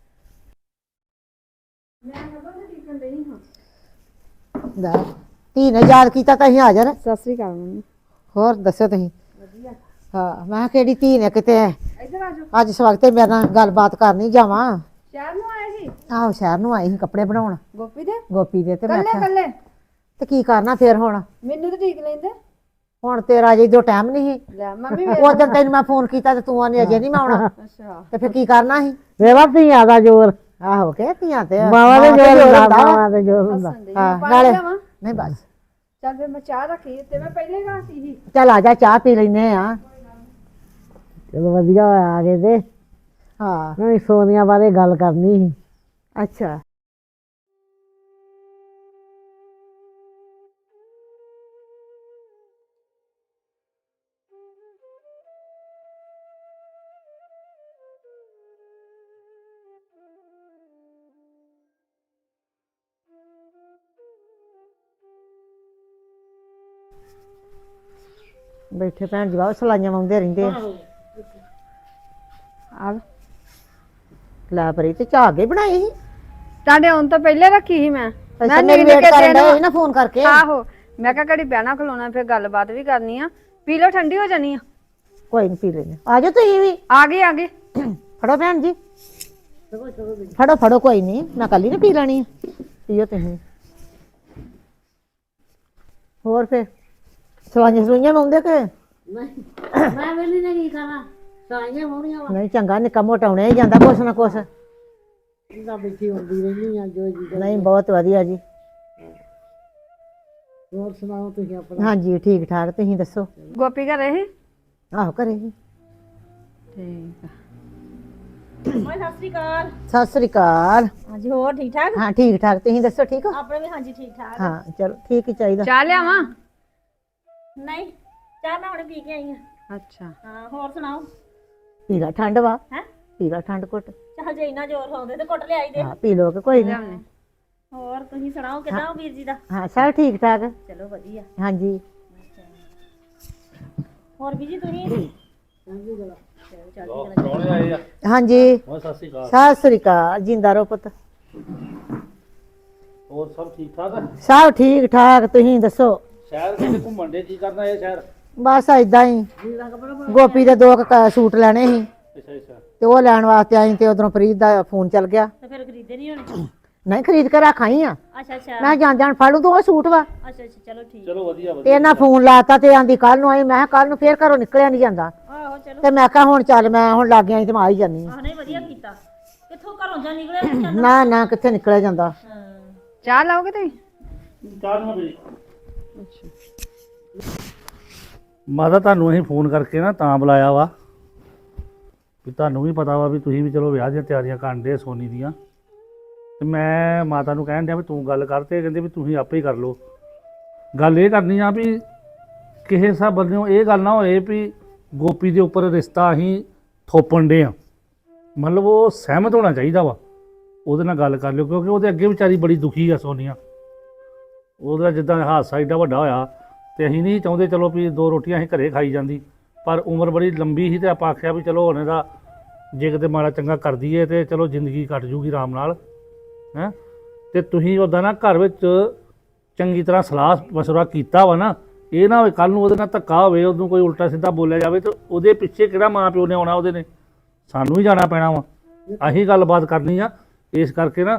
Speaker 7: ਲੈ, ਧੀ ਨੇ ਯਾਦ ਕੀਤਾ ਤਾਂ ਅਸੀਂ ਹਾਜ਼ਰ।
Speaker 3: ਸਤਿ ਸ੍ਰੀ ਅਕਾਲ ਮੰਮੀ।
Speaker 7: ਹੋਰ ਦੱਸੋ ਤੁਸੀਂ? ਹਾਂ ਮੈਂ ਕਿਹਾ ਕਿਹੜੀ ਧੀ ਨੇ ਕਿਤੇ ਅੱਜ ਸਵਖਤੇ ਮੇਰੇ ਨਾਲ ਗੱਲਬਾਤ ਕਰਨੀ ਜਾਵਾਂ।
Speaker 3: ਸ਼ਹਿਰ ਨੂੰ ਆਏ ਸੀ
Speaker 7: ਆਹੋ ਸ਼ਹਿਰ ਨੂੰ ਆਈ ਸੀ ਕੱਪੜੇ ਬਣਾਉਣ
Speaker 3: ਗੋਪੀ ਦੇ
Speaker 7: ਗੋਪੀ ਦੇ ਤੇ ਮੈਂ
Speaker 3: ਕੱਲੇ
Speaker 7: ਕਿਹਾ
Speaker 3: ਕੱਲੇ
Speaker 7: ਤੇ ਕੀ ਕਰਨਾ ਫੇਰ ਹੁਣ
Speaker 3: ਮੈਨੂੰ ਤਾਂ ਠੀਕ ਲੈਂਦੇ
Speaker 7: ਹੁਣ ਤੇਰਾ ਅਜੇ ਜੋ ਟਾਈਮ ਨਹੀਂ ਸੀ
Speaker 3: ਲੈ ਮੰਮੀ
Speaker 7: ਉਹ ਦਿਨ ਤੈਨੂੰ ਮੈਂ ਫੋਨ ਕੀਤਾ ਤੇ ਤੂੰ ਆਨੇ ਅਜੇ ਨਹੀਂ ਮੈਂ ਆਉਣਾ
Speaker 3: ਅੱਛਾ
Speaker 7: ਤੇ ਫਿਰ ਕੀ ਕਰਨਾ ਸੀ?
Speaker 2: ਮੇਰਾ ਧੀਆਂ ਦਾ ਜ਼ੋਰ
Speaker 7: ਆਹੋ ਕਿ ਧੀਆਂ ਤੇ
Speaker 2: ਮਾਵਾਂ ਦੇ ਜ਼ੋਰ ਹੁੰਦਾ
Speaker 7: ਹੁੰਦਾ ਵਾ।
Speaker 2: ਮਾਵਾਂ ਦੇ ਜ਼ੋਰ ਹੁੰਦਾ।
Speaker 7: ਹਾਂ ਨਾਲੇ ਨਹੀਂ ਬਸ
Speaker 3: ਚੱਲ ਫਿਰ ਮੈਂ ਚਾਹ ਰੱਖੀ ਤੇ ਮੈਂ ਪਹਿਲੇ ਘਾਤੀ ਸੀ
Speaker 7: ਚੱਲ ਆ ਜਾ ਚਾਹ ਪੀ ਲੈਨੇ ਆ।
Speaker 2: ਚਲੋ ਵਧੀਆ ਹੋਇਆ ਆ ਗਏ ਤੇ
Speaker 7: ਹਾਂ
Speaker 2: ਮੈਂ ਸੋਨੀਆ ਬਾਰੇ ਗੱਲ ਕਰਨੀ ਸੀ।
Speaker 7: ਅੱਛਾ ਬੈਠੇ ਭੈਣ ਜੀ ਬਾਬਾ ਸਲਾਈਆਂ ਲਾਉਂਦੇ ਰਹਿੰਦੇ ਆ।
Speaker 3: ਆ
Speaker 7: ਲੈ ਪਰੀ ਤੇ ਚਾਹ ਕੇ ਬਣਾਈ ਸੀ।
Speaker 3: ਤੁਹਾਡੇ ਆਉਣ ਤੋਂ ਪਹਿਲੇ ਰੱਖੀ ਸੀ ਮੈਂ
Speaker 7: ਅੱਛਾ ਮੇਰੀ ਵੇਟ ਕਰਨ ਡਏ ਸੀ ਨਾ ਫੋਨ ਕਰਕੇ।
Speaker 3: ਆਹੋ ਮੈਂ ਕਿਹਾ ਘੜੀ ਬਹਿਣਾ ਖਲੋਣਾ ਫਿਰ ਗੱਲਬਾਤ ਵੀ ਕਰਨੀ ਆ ਪੀ ਲਓ ਠੰਡੀ ਹੋ ਜਾਣੀ ਆ।
Speaker 7: ਕੋਈ ਨਹੀਂ ਪੀ ਲੈਨੇ ਆ ਜਾਓ ਤੁਸੀਂ ਵੀ।
Speaker 3: ਆ ਗਏ ਆ ਗਏ
Speaker 7: ਫੜੋ ਭੈਣ ਜੀ ਫੜੋ ਫੜੋ ਕੋਈ ਨਹੀਂ ਮੈਂ ਕੱਲੀ ਨੇ ਪੀ ਲੈਣੀ ਆ ਪੀਓ ਤੁਸੀਂ। ਹੋਰ ਫਿਰ ਸਲਾਈਆਂ ਸਲੂਈਆਂ ਲਾਉਂਦੇ ਕਿ
Speaker 2: ਮੈਂ ਵੇਲੀ ਨੇ ਕੀ ਖਾਣਾ ਸਾਈਆਂ ਹੋਣੀਆਂ ਵਾ
Speaker 7: ਨਹੀਂ ਚੰਗਾ ਨਿੱਕਾ ਮੋਟਾ ਹੋਣਾ ਹੀ ਜਾਂਦਾ ਕੁਛ ਨਾ ਕੁਛ।
Speaker 2: ਇਹਦਾ ਬੈਠੀ ਹੁੰਦੀ ਰਹਿੰਦੀ ਆ ਜੋ ਜੀ।
Speaker 7: ਨਹੀਂ ਬਹੁਤ ਵਧੀਆ ਜੀ।
Speaker 2: ਹੋਰ ਸੁਣਾਓ ਤੁਸੀਂ ਆਪਣਾ?
Speaker 7: ਹਾਂਜੀ ਠੀਕ ਠਾਕ ਤੁਸੀਂ ਦੱਸੋ?
Speaker 3: ਗੋਪੀ ਘਰੇ ਸੀ
Speaker 7: ਆਹੋ ਘਰੇ ਜੀ।
Speaker 3: ਠੀਕ ਆ
Speaker 6: ਓਏ ਸਤਿ ਸ੍ਰੀ ਅਕਾਲ।
Speaker 7: ਸਤਿ ਸ੍ਰੀ ਅਕਾਲ।
Speaker 6: ਹਾਂਜੀ ਹੋਰ ਠੀਕ ਠਾਕ?
Speaker 7: ਹਾਂ ਠੀਕ ਠਾਕ ਤੁਸੀਂ ਦੱਸੋ ਠੀਕ ਹੋ?
Speaker 6: ਆਪਣੇ ਵੀ ਹਾਂਜੀ ਠੀਕ ਠਾਕ।
Speaker 7: ਹਾਂ ਚਲੋ ਠੀਕ ਹੀ ਚਾਹੀਦਾ।
Speaker 3: ਚਾਹ ਲਿਆਵਾਂ
Speaker 6: ਨਹੀਂ ਚਾਹ ਮੈਂ ਹੁਣੇ ਪੀ ਕੇ ਆਈ ਆ।
Speaker 3: ਅੱਛਾ
Speaker 6: ਹਾਂ ਹੋਰ ਸੁਣਾਓ?
Speaker 7: ਪੀਲਾ ਠੰਡ ਵਾ
Speaker 6: ਹੈ
Speaker 7: ਪੀਲਾ ਠੰਡ ਘੁੱਟ।
Speaker 6: ਚੱਲ ਜੇ ਇੰਨਾ ਜ਼ੋਰ ਲਾਉਂਦੇ ਤੇ ਕੁੱਟ ਲਿਆਈ ਦੇ।
Speaker 7: ਹਾਂ ਪੀ ਲੋ ਕਿ ਕੋਈ ਨਹੀਂ।
Speaker 3: ਲਿਆਉਣੇ
Speaker 6: ਹੋਰ ਤੁਸੀਂ ਸੁਣਾਓ ਕਿਦਾਂ ਵੀਰ ਜੀ ਦਾ?
Speaker 7: ਹਾਂ ਸਭ ਠੀਕ ਠਾਕ।
Speaker 6: ਚਲੋ ਵਧੀਆ।
Speaker 7: ਹਾਂਜੀ
Speaker 6: ਹੋਰ ਵੀਰ ਜੀ ਤੁਸੀਂ?
Speaker 1: ਪ੍ਰਾਹੁਣੇ ਆਏ ਆ।
Speaker 7: ਹਾਂਜੀ
Speaker 1: ਹੋਰ ਸਤਿ ਸ਼੍ਰੀ ਅਕਾਲ।
Speaker 7: ਸਤਿ ਸ੍ਰੀ ਅਕਾਲ। ਜਿੰਦਾ ਰਹੋ ਪੁੱਤ।
Speaker 1: ਹੋਰ ਸਭ ਠੀਕ ਠਾਕ ਆ?
Speaker 7: ਸਭ ਠੀਕ ਠਾਕ। ਤੁਸੀਂ ਦੱਸੋ?
Speaker 1: ਸ਼ਹਿਰ ਕਿਤੇ ਘੁੰਮਣ ਦੇ ਕੀ ਕਰਨਾ ਇਹ ਸ਼ਹਿਰ?
Speaker 7: ਬਸ ਏਦਾਂ ਹੀ ਗੋਪੀ ਦੇ ਦੋ ਕੁ ਕ- ਸੂਟ ਲੈਣੇ ਸੀ
Speaker 1: ਅੱਛਾ ਅੱਛਾ।
Speaker 7: ਤੇ ਉਹ ਲੈਣ ਵਾਸਤੇ ਆਈ ਤੇ ਉਧਰੋਂ ਪ੍ਰੀਤ ਦਾ ਫੋਨ ਚੱਲ ਗਿਆ।
Speaker 6: ਤੇ ਫਿਰ ਖਰੀਦੇ ਨਹੀਂ ਹੋਣੇ?
Speaker 7: ਨਹੀਂ ਖਰੀਦ ਕੇ ਰੱਖ ਆਈ ਆ।
Speaker 6: ਅੱਛਾ ਅੱਛਾ
Speaker 7: ਮੈਂ ਜਾਣ ਜਾਣ ਫੜ ਲੂ ਤੂੰ ਉਹ ਸੂਟ ਵਾ।
Speaker 6: ਅੱਛਾ ਅੱਛਾ ਚਲੋ ਠੀਕ।
Speaker 1: ਚਲੋ ਵਧੀਆ
Speaker 7: ਤੇ
Speaker 1: ਵਧੀਆ।
Speaker 7: ਇਹਨਾਂ ਫੋਨ ਲਾਤਾ ਤੇ ਆਂਦੀ ਕੱਲ ਨੂੰ ਆਈ। ਮੈਂ ਕਿਹਾ ਕੱਲ ਨੂੰ ਫੇਰ ਘਰੋਂ ਨਿਕਲਿਆ ਨਹੀਂ ਜਾਂਦਾ
Speaker 6: ਆਹੋ ਚਲੋ।
Speaker 7: ਤੇ ਮੈਂ ਕਿਹਾ ਹੁਣ ਚੱਲ ਮੈਂ ਹੁਣ ਲੱਗ ਆਈ ਤੇ ਮੈਂ ਆ ਹੀ ਜਾਨੀ
Speaker 6: ਆਹ ਨਹੀਂ ਵਧੀਆ ਕੀਤਾ। ਕਿੱਥੋਂ ਘਰੋਂ ਜਾਂ ਨਿਕਲਿਆ ਨਹੀਂ ਜਾਂਦਾ।
Speaker 7: ਨਾ ਨਾ ਕਿੱਥੇ ਨਿਕਲਿਆ ਜਾਂਦਾ।
Speaker 6: ਹਾਂ
Speaker 3: ਚਾਹ ਲਾਓਗੇ ਤੁਸੀਂ?
Speaker 1: ਚਾਹ ਨਾ ਬਈ। ਮਾਤਾ ਤੁਹਾਨੂੰ ਅਸੀਂ ਫੋਨ ਕਰਕੇ ਨਾ ਤਾਂ ਬੁਲਾਇਆ ਵਾ ਵੀ ਤੁਹਾਨੂੰ ਵੀ ਪਤਾ ਵਾ ਵੀ ਤੁਸੀਂ ਵੀ ਚਲੋ ਵਿਆਹ ਦੀਆਂ ਤਿਆਰੀਆਂ ਕਰਨ ਦੇ ਸੋਨੀ ਦੀਆਂ। ਤੇ ਮੈਂ ਮਾਤਾ ਨੂੰ ਕਹਿਣ ਡਿਆ ਵੀ ਤੂੰ ਗੱਲ ਕਰ ਤੇ ਕਹਿੰਦੇ ਵੀ ਤੁਸੀਂ ਆਪੇ ਹੀ ਕਰ ਲਓ। ਗੱਲ ਇਹ ਕਰਨੀ ਆ ਵੀ ਕਿਸੇ ਹਿਸਾਬ ਬੰਦੇ ਇਹ ਗੱਲ ਨਾ ਹੋਏ ਵੀ ਗੋਪੀ ਦੇ ਉੱਪਰ ਰਿਸ਼ਤਾ ਅਸੀਂ ਥੋਪਣ ਦੇ ਆ। ਮਤਲਬ ਉਹ ਸਹਿਮਤ ਹੋਣਾ ਚਾਹੀਦਾ ਵਾ। ਉਹਦੇ ਨਾਲ ਗੱਲ ਕਰ ਲਿਓ ਕਿਉਂਕਿ ਉਹਦੇ ਅੱਗੇ ਵਿਚਾਰੀ ਬੜੀ ਦੁਖੀ ਆ ਸੋਨੀਆ। ਉਹਦਾ ਜਿੱਦਾਂ ਹਾਦਸਾ ਏਡਾ ਵੱਡਾ ਹੋਇਆ ਤੇ ਅਸੀਂ ਨਹੀਂ ਚਾਹੁੰਦੇ ਚਲੋ ਵੀ ਦੋ ਰੋਟੀਆਂ ਅਸੀਂ ਘਰੇ ਖਾਈ ਜਾਂਦੀ, ਪਰ ਉਮਰ ਬੜੀ ਲੰਬੀ ਸੀ ਤੇ ਆਪਾਂ ਆਖਿਆ ਵੀ ਚਲੋ ਹੁਣ ਇਹਦਾ ਜੇ ਕਿਤੇ ਮਾੜਾ ਚੰਗਾ ਕਰ ਦਈਏ ਤੇ ਚਲੋ ਜ਼ਿੰਦਗੀ ਕੱਟ ਜੂਗੀ ਆਰਾਮ ਨਾਲ ਹੈਂ। ਤੇ ਤੁਸੀਂ ਉੱਦਾਂ ਨਾ ਘਰ ਵਿੱਚ ਚੰਗੀ ਤਰ੍ਹਾਂ ਸਲਾਹ ਮਸ਼ਵਰਾ ਕੀਤਾ ਵਾ ਨਾ। ਇਹ ਨਾ ਹੋਵੇ ਕੱਲ੍ਹ ਨੂੰ ਉਹਦੇ ਨਾਲ ਧੱਕਾ ਹੋਵੇ, ਉਹਨੂੰ ਕੋਈ ਉਲਟਾ ਸਿੱਧਾ ਬੋਲਿਆ ਜਾਵੇ ਤੇ ਉਹਦੇ ਪਿੱਛੇ ਕਿਹੜਾ ਮਾਂ ਪਿਓ ਨੇ ਆਉਣਾ, ਉਹਦੇ ਨੇ ਸਾਨੂੰ ਹੀ ਜਾਣਾ ਪੈਣਾ ਵਾ। ਅਸੀਂ ਗੱਲਬਾਤ ਕਰਨੀ ਆ। ਇਸ ਕਰਕੇ ਨਾ